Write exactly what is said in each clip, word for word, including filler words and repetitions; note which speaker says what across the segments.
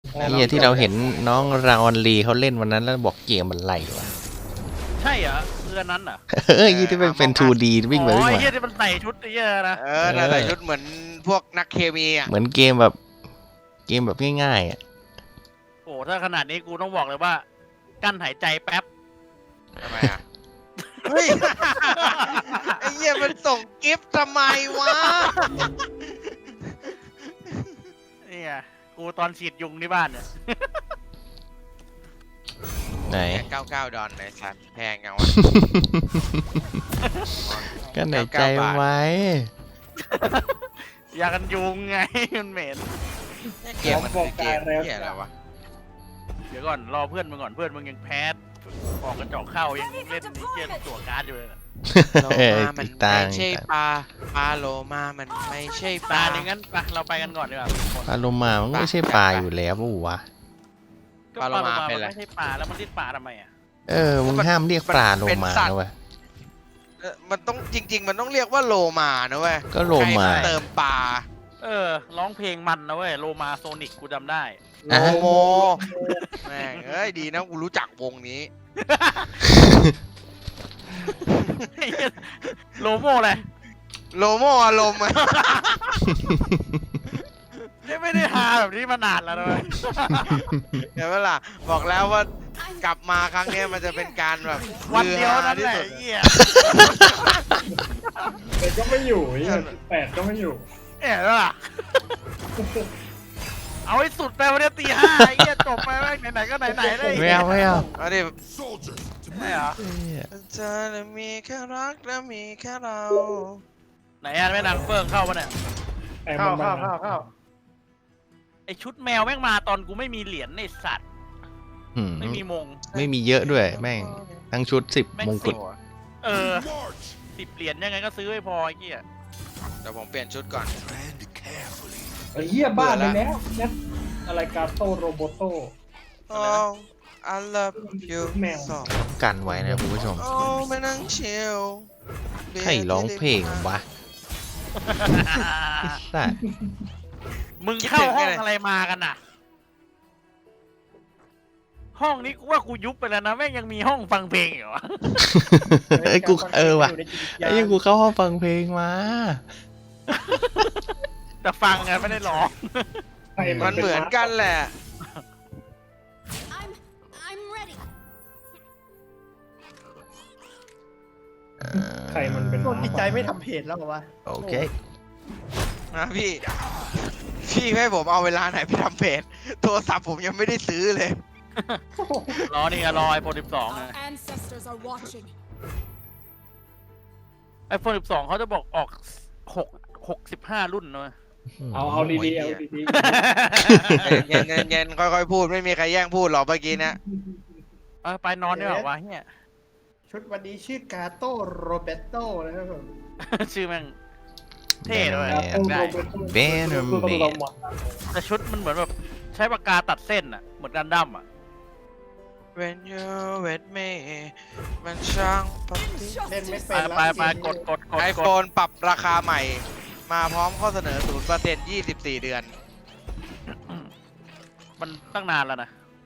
Speaker 1: เฮียที่เราเห็นน้องราออนลีเขาเล่นวันนั้นแล้วบอกเกมมันไหลวะ
Speaker 2: ใช่เหรอเรือนั้นเหรอ
Speaker 1: เฮ้ยยี่ที่เป็นเป็น ทู ดี วิ่งไป
Speaker 2: อ๋อ
Speaker 1: วิ่ง
Speaker 2: ไอ้
Speaker 1: มา
Speaker 2: เหี้ยที่มันใส่ชุดไอ้เหี้ยนะ
Speaker 3: เออน่าใส่ชุดเหมือนพวกนักเคมีอ่ะ
Speaker 1: เหมือนเกมแบบเกมแบบง่ายๆอ่ะ
Speaker 2: โอ้ถ้าขนาดนี้กูต้องบอกเลยว่า กั้นหายใจแป๊บ
Speaker 3: ทำไมอ่ะ เฮ้ย ไอ้เหี้ยมันส่งกิฟต์ทำไมวะ
Speaker 2: เนี่ยกูตอนฉีดยุงที่บ้านเนี่ย
Speaker 1: ไหน
Speaker 3: เก้าเก้าดอนไหนสัตว์แพงจังวะ
Speaker 1: ก็ไหนใจไว้
Speaker 2: ยากันยุงไง มันเหม็น
Speaker 3: เกมมันคือเกมเหี้ยอะไรวะ
Speaker 2: เดี๋ยวก่อนรอเพื่อนมึงก่อนเพื่อนมึงยังแพ้ออกกระจอกเข้ายังเล่นนี่เกมตัวการ์ดอยู่เลยนะ
Speaker 3: โล
Speaker 1: เอ้ย
Speaker 3: มามัน
Speaker 1: ติดตาม
Speaker 3: ไม่ใช่ปลาปลาโลมามันไม่ใช่ป
Speaker 2: ตา
Speaker 3: ลา
Speaker 2: อย่างนั้นไปเราไปกันก่อนดีกว่าทุกคน
Speaker 1: ปลาโลมามันก็ไม่ใช่ปลาอยู่แล้วปะวะ
Speaker 2: ก็ปลาโลมามันไม่ใช่ปลาแล้วมันเรียกปลาทำไมอ่ะ
Speaker 1: เออมึงห้ามเรียกปลาโลมานะเว้ย
Speaker 3: เออมันต้องจริง ๆ มันต้องเรียกว่าโลมานะเว้ย
Speaker 1: ก็โลมา
Speaker 3: ใครเติมปลา
Speaker 2: เออร้องเพลงมันนะเว้ยโลมาโซนิกกูจำได้
Speaker 3: โลโมแม่งเอ้ยดีนะกูรู้จักวงนี้
Speaker 2: โลโมเลย
Speaker 3: โลโมอารมณ์อะ
Speaker 2: ไม่ได้หาแบบนี้มานานแล้วนะเว้ย
Speaker 3: เห็นไหมล่ะบอกแล้วว่ากลับมาครั้งเนี้ยมันจะเป็นการแบบ
Speaker 2: วันเดียวนั้น
Speaker 3: ที่
Speaker 2: แหละ
Speaker 3: สุด
Speaker 2: ไอ้เหี้ย
Speaker 4: แต่ก็ไม่อยู่ไอ้เหี้ยแปดก็ไม่อยู่
Speaker 2: เอ๋แล้วล่ะเอาให้สุดไปวันนี้ตีห้าไอ้เหี้ยจบไปแม่งไหนๆก็ไหนๆเลย
Speaker 1: ไม่เอาไม่เอา
Speaker 3: เอาดิ
Speaker 2: ไม่เหรอ
Speaker 1: เหี้ย
Speaker 3: เธอน่ะมีแค่รักและมีแค่เรา
Speaker 2: ไหนอ่ะแม่นางเฟิงเข้าปะเนี่ย
Speaker 4: แต่
Speaker 2: เข้า
Speaker 4: มัน
Speaker 2: เข้า
Speaker 4: มา
Speaker 2: เข้าเข้าไอชุดแมวแม่งมาตอนกูไม่มีเหรียญในสัตว์
Speaker 1: อืม
Speaker 2: ไม่มีมง
Speaker 1: ไม่มีเยอะด้วยแม่งทั้งชุดสิบ
Speaker 2: แม่ง
Speaker 1: มงกุ
Speaker 2: สิ
Speaker 1: ฎ
Speaker 2: บเออสิบเหรียญยังไงก็ซื้อไม่พอไอ้เหี้ย
Speaker 3: เดี๋ยวผมเปลี่ยนชุดก่อน
Speaker 4: ไอ้เหี้ยบ้านไปแล้วเนี่ยอะไรกาโตโรโบโต
Speaker 3: Oh I love you
Speaker 4: แมว
Speaker 3: so
Speaker 1: ต้องกันไว้นะคุณผู้ชม
Speaker 3: โอ้ไม่นั่งชิล
Speaker 1: ใครร้องเพลงวะไอ้สัตว์
Speaker 2: มึงเข้าห้องอะไรมากันน่ะ ห้องนี้กูว่ากูยุบไปแล้วนะแม่งยังมีห้องฟังเพลงอยู่วะ
Speaker 1: เอ้ยกูเออว่ะไอ้ยังกูเข้าห้องฟังเพลงมา
Speaker 2: แต่ฟังไงไม่ได้ร้อง
Speaker 4: ใคร
Speaker 3: มันเหมือนกันแหละ
Speaker 5: I'm I'm ready.
Speaker 4: ใครมันเป็น
Speaker 6: โดนจิตใจไม่ทำเพจแล้วเหรอวะ
Speaker 1: โอเค
Speaker 3: นะพี่ พี่ให้ผมเอาเวลาไหนไปทำเพจโทรศัพท์ผมยังไม่ได้ซื้อเลย
Speaker 2: รอนี่ไงรอไอโฟนสิบสอง
Speaker 5: Our ancestors are watching.
Speaker 2: ไอโฟนสิบสองเขาจะบอกออกหกหกสิบห้ารุ่นนะ
Speaker 4: เอาเอาดีๆเอาดี
Speaker 3: เย็นเย็นเย็นค่อยๆพูดไม่มีใครแย่งพูดหรอกเมื่อกี้เนะ
Speaker 2: เออไปนอนดีกว่าวะเนี่ย
Speaker 6: ชุดวันนี้ชื่อกาโตโรเบโตนะครับผม
Speaker 2: ชื่อแม่งเท่ด้วย
Speaker 4: ๆ
Speaker 1: แม
Speaker 4: กาโต
Speaker 2: ได้
Speaker 4: โรโบโต
Speaker 1: เบนเนอร์แมน
Speaker 4: คือต้องระวัง
Speaker 2: แต่ชุดมันเหมือนแบบใช้ปากกาตัดเส้นอะเหมือนกันดั้มอะ
Speaker 3: When you with me มันช่างปฏิ
Speaker 6: เล่นไม่
Speaker 2: ไป
Speaker 6: เป็นแล้ว
Speaker 2: ไปไปกดกดกด
Speaker 3: ไอก โฟ
Speaker 2: ด
Speaker 3: นปรับราคาใหม่ มาพร้อมข้อเสนอ ศูนย์เปอร์เซ็นต์ ยี่สิบสี่ เดือน
Speaker 2: มันตั้งนานแล้วนะ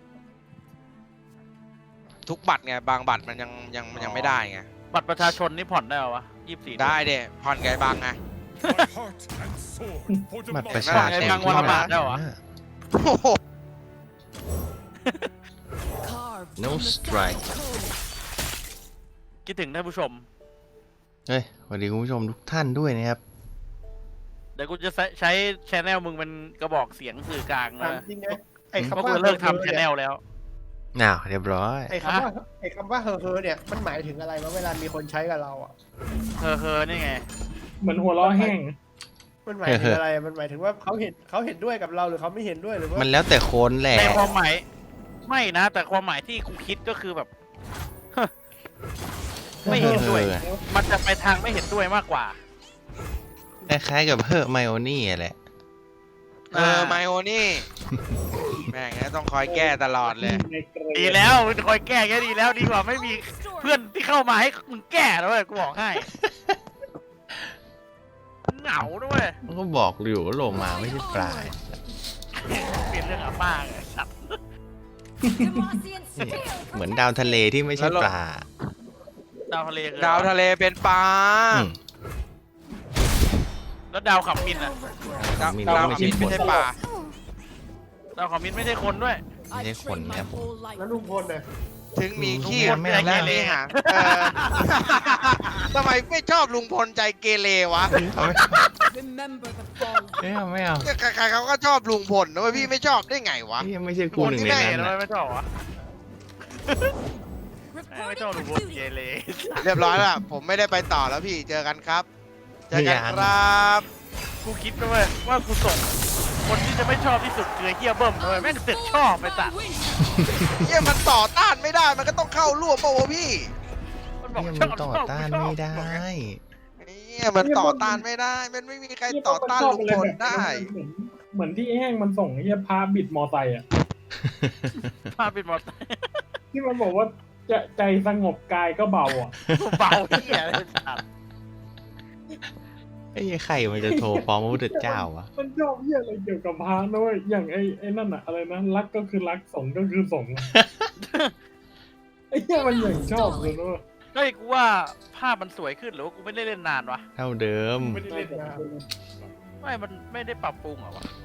Speaker 3: ทุกบัตรไง บางบัตรมันยังยังยังไม่ได้ไง
Speaker 2: บัตรประชาชนนี่ผ่อนได้เหรอวะยี่สิบสี่
Speaker 3: ได้เด้ผ่อนไงบางไง
Speaker 1: บัตรประชาชน
Speaker 2: กลางวันละบาทได้เหรอ
Speaker 3: โอ้โห
Speaker 5: Carved
Speaker 1: No
Speaker 5: from the
Speaker 1: strike.
Speaker 5: stone cold.
Speaker 2: คิดถึงท่านผู้ชม
Speaker 1: เฮ้ยสวัสดีคุณผู้ชมทุกท่านด้วยนะครับ
Speaker 2: เดี๋ยวกูจะใช้ใช้ชแนลมึงเป็นกระบอกเสียงสื่อกลาง
Speaker 6: ถาม
Speaker 2: นะ
Speaker 6: จริงนะไอ้
Speaker 2: เพราะ
Speaker 6: คำว่า
Speaker 2: กูเลิกทำชแนลแล้ว
Speaker 1: อ้าวเรียบร้อย
Speaker 6: ไอ้คำว่าไอ้คำว่าเฮอเฮอเนี่ยมันหมายถึงอะไรวะเวลามีคนใช้กับเราอ่ะ
Speaker 2: เฮอเฮอนี่ไง
Speaker 4: เหมือนหัวล้อแห้ง
Speaker 6: มันหมายถึงอะไรมันหมายถึงว่าเขาเห็นเขาเห็นด้วยกับเราหรือเขาไม่เห็นด้วยหรือว่า
Speaker 1: มันแล้วแต่คนแหละ
Speaker 2: ในความหมายไม่นะ แต่ความหมายที่กูคิดก็คือแบบ ไม่เห็นด้วย
Speaker 1: ออ
Speaker 2: มันจะไปทางไม่เห็นด้วยมากกว่า
Speaker 1: คล้ายๆกับเฮอร์ไมโอนี่แหละ
Speaker 3: เออไมโอนี่ แม่งงั้นต้องคอยแก้ตลอดเลย
Speaker 2: ดีแล้วมึงคอยแก้แค่ดีแล้วดีกว่าไม่มีเพื่อนที่เข้ามาให้มึงแก้แล้วเว้ยกูบอกให้เหงาด้วย
Speaker 1: มันก็บอกอยู่ว่าโลมาไม่ใช่ปลา
Speaker 2: เปลี่ยนเรื่องอาป้าไงสัตว์
Speaker 5: Demacian steel
Speaker 1: เหมือนดาวทะเลที่ไม่ใช่ปลา
Speaker 2: ดาวทะเลคือ
Speaker 3: ดาวทะเลเป็นปลา
Speaker 1: อืม
Speaker 2: แล้วดาวขับมินอะ
Speaker 3: ดาว
Speaker 1: มี
Speaker 3: ดาว
Speaker 1: ไม่ใช่
Speaker 3: ไม่ใช่ปลา
Speaker 2: ดาวขับมินไม่ใช่คนด้วย
Speaker 1: ไม่ใช่
Speaker 5: I've
Speaker 1: คน
Speaker 5: trained
Speaker 1: นะ
Speaker 5: my
Speaker 1: ครับผม
Speaker 5: whole life.
Speaker 6: แล้วลุงพลเนี่ย
Speaker 3: ถึงมีขี้
Speaker 1: ไม่เอาไม่
Speaker 3: และ
Speaker 1: เอา
Speaker 3: มีหางเออทำไมไม่ชอบลุงพลใจเกเรวะ
Speaker 1: เอาไม่
Speaker 5: Remember the fall.
Speaker 1: ไม่เอาไม่เอา
Speaker 3: เนี่ยใครๆเขาก็ชอบลุงพลนะเว้ยพี่ไม่ชอบได้ไงวะ
Speaker 1: นี่ยังไม่ใช่กู
Speaker 2: คน
Speaker 1: หนึ่ง
Speaker 2: ที่
Speaker 1: ใน
Speaker 2: ไหน
Speaker 1: นั้น
Speaker 2: ทำไม
Speaker 1: นะ
Speaker 2: ไม่ชอบวะไม่ชอบ
Speaker 5: Reporting
Speaker 2: ดู
Speaker 5: for
Speaker 2: บนเก
Speaker 5: duty.
Speaker 2: เร
Speaker 3: เรียบร้อยแล้วผมไม่ได้ไปต่อแล้วพี่เจอกันครับ เจอกันครับ
Speaker 2: กูคิดไปว่าว่ากูส่งคนที่จะไม่ชอบที่สุดคือไอ้เฮียเบิ้มเลยแม่งเสร็จชอบไปสัตว์
Speaker 3: เยี่ยมันต่อต้านไม่ได้มันก็ต้องเข้าร่วมเปล่าวะพี่
Speaker 2: มันบอก
Speaker 1: นี่
Speaker 2: ช
Speaker 1: มั
Speaker 2: อน บ
Speaker 1: ต่อ
Speaker 2: ชอบ
Speaker 1: ต้าน
Speaker 2: ชอบ
Speaker 1: ไม่ได้
Speaker 2: บอกไง
Speaker 3: เนี่ยมันต่อต้านไม่ได้ มันไม่มีใครต่อต้านลุงพลได้
Speaker 4: เหมือนเหมือนที่แห้งมันส่งไอ้เหี้ยพาบิดมอไซค์อ่ะ
Speaker 2: พาปิดหมด
Speaker 4: ที่มันบอกว่าจะใจสงบกายก็เบาอ่ะ
Speaker 2: เบาเฮียอะไรสัตว์
Speaker 1: ไอ้ใครมันจะโทรฟ้องพระพุทธเจ้าวะ
Speaker 4: มันชอบเหี้ยอะไรเกี่ยวกับพระนะเว้ยอย่างไอ้ไอ้นั่นอะอะไรนะรักก็คือรักสงฆ์ก็คือสงฆ์อะไอ้เหี้ยมันอย่างชอบเลยนะเว้ย
Speaker 2: เฮ้ยกูว่าภาพมันสวยขึ้นหรือว่ากูไม่ได้เล่นนานวะ
Speaker 1: เท่าเดิม
Speaker 4: ไม่ได้เล่นนะ
Speaker 2: ไม่มันไม่ได้ปรับปรุงเหรอวะ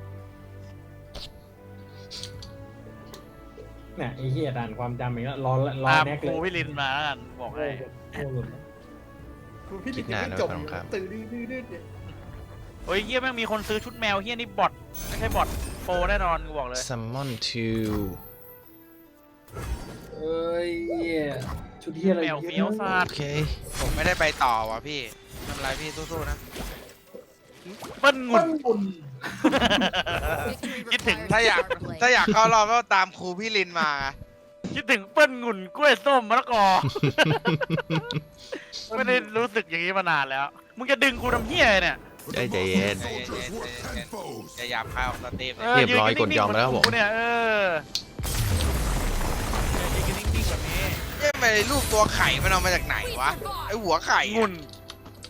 Speaker 4: เนี่ยไอ้เหี้ยด่านความจำอีกแล้วรอรอ
Speaker 2: ตาม
Speaker 4: แน็ก
Speaker 2: ค
Speaker 4: เล
Speaker 2: รู
Speaker 4: ย
Speaker 2: วิลินมาแล้วกันบอกให้
Speaker 4: โอ้โห
Speaker 6: คุณพี่ลินยังไม่จบอยู่ตื่นดื้อดื้อดื้อเนี่ย
Speaker 2: โอ้ยเฮียแม่งมีคนซื้อชุดแมวเฮียนี่บอทไม่ใช่บอทโฟแน่นอนกูบอกเลย
Speaker 1: summon to
Speaker 4: เอ้ยเหี้ยชุดเหี้ยอะไร
Speaker 2: แมวเฟี้ยวซา
Speaker 1: โอ
Speaker 2: ด
Speaker 1: เค
Speaker 3: ผมไม่ได้ไปต่อว่ะพี่ไม่เป็นไรพี่สู้ๆนะ
Speaker 2: เปิ้ลงุ
Speaker 4: ปั้
Speaker 2: น
Speaker 4: นบุญ
Speaker 5: Victory
Speaker 2: คิดถึง
Speaker 5: requires
Speaker 3: ถ้าอยาก
Speaker 5: fair play.
Speaker 3: ถ้าอยากเข้ารอบก็ตามครูพี่ลินมา
Speaker 2: คิดถึงเปิ้ลงุ่นกล้วยส้มมะละกอ ไม่ได้รู้สึกอย่างนี้มานานแล้ว มึงจะดึงกูทำเฮียอะไรเนี่ย
Speaker 1: ได้ใจเย็น
Speaker 3: ใจเย็นๆใจเย็นๆอย่าหยาบคายออกสเต็ป
Speaker 2: เออ
Speaker 1: เรียบร้อย
Speaker 2: นนิ่งๆ
Speaker 1: กดยอมแล้วครับผม
Speaker 2: เหนกูเนี่ยเออยืนกันนิ่งๆแบบนี้
Speaker 3: เอ๊ะทำไมรูปตัวไข่มันเอามาจากไหนวะ ไอหัวไข่
Speaker 2: งุ่น